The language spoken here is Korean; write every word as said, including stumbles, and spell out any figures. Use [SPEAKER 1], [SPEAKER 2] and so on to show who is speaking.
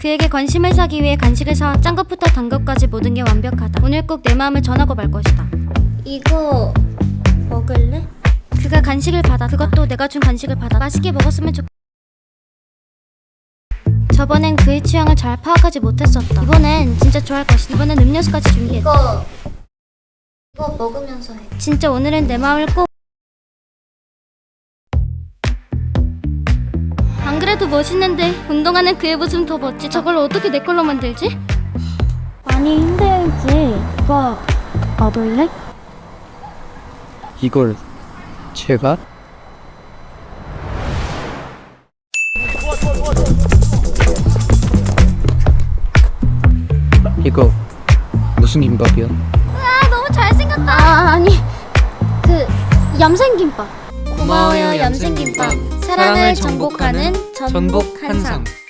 [SPEAKER 1] 그에게 관심을 사기 위해 간식을 사와 짠 것부터 단 것까지 모든 게 완벽하다. 오늘 꼭 내 마음을 전하고 말 것이다. 이거 먹을래? 그가 간식을 받았다. 그것도 내가 준 간식을 받아 맛있게 먹었으면 좋... 저번엔 그의 취향을 잘 파악하지 못했었다. 이번엔 진짜 좋아할 것이다. 이번엔 음료수까지 준비했다. 이거 이거 먹으면서 해. 진짜 오늘은 내 마음을 꼭... 안 그래도 멋있는데 운동하는 그의 모습은 더 멋지다. 저걸 어떻게 내 걸로 만들지? 많이 힘들지. 이거 먹을래?
[SPEAKER 2] 이걸 제가? 이거 무슨 김밥이야?
[SPEAKER 1] 아 너무 잘생겼다. 아 아니 그 얌생김밥. 고마워요 얌생김밥. 사랑을 정복하는 전복 한상.